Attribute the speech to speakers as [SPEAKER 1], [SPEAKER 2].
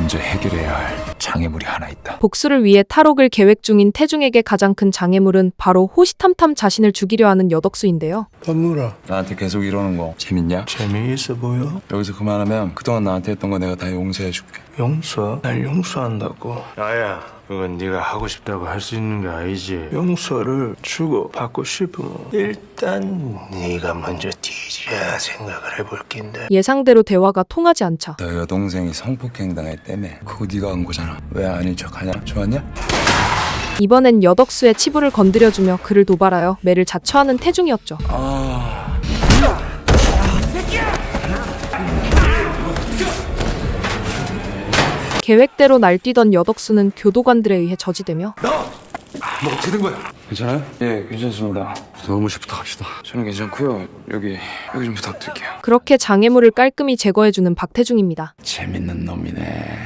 [SPEAKER 1] 먼저 해결해야 할 장애물이 하나 있다.
[SPEAKER 2] 복수를 위해 탈옥을 계획 중인 태중에게 가장 큰 장애물은 바로 호시탐탐 자신을 죽이려 하는 여덕수인데요.
[SPEAKER 3] 건물아,
[SPEAKER 1] 나한테 계속 이러는 거 재밌냐?
[SPEAKER 3] 재미있어 보여?
[SPEAKER 1] 여기서 그만하면 그동안 나한테 했던 거 내가 다 용서해줄게.
[SPEAKER 3] 용서? 날 용서한다고?
[SPEAKER 4] 나야, 그건 네가 하고 싶다고 할 수 있는 게 아니지.
[SPEAKER 3] 용서를 주고 받고 싶으면 일단 네가 먼저 뒤져야 생각을 해볼 낀데.
[SPEAKER 2] 예상대로 대화가 통하지 않자
[SPEAKER 1] 너 여동생이 성폭행 당했다며. 그거 네가 한 거잖아. 왜 아닌 척하냐? 좋았냐?
[SPEAKER 2] 이번엔 여덕수의 치부를 건드려주며 그를 도발하여 매를 자처하는 태중이었죠. 계획대로 날뛰던 여덕수는 교도관들에 의해 저지되며
[SPEAKER 1] 뭐 어떻게 된 거야? 괜찮아요? 예, 괜찮습니다. 사무실부터 갑시다. 저는 괜찮고요. 여기 좀 부탁드릴게요.
[SPEAKER 2] 그렇게 장애물을 깔끔히 제거해주는 박태중입니다.
[SPEAKER 1] 재밌는 놈이네.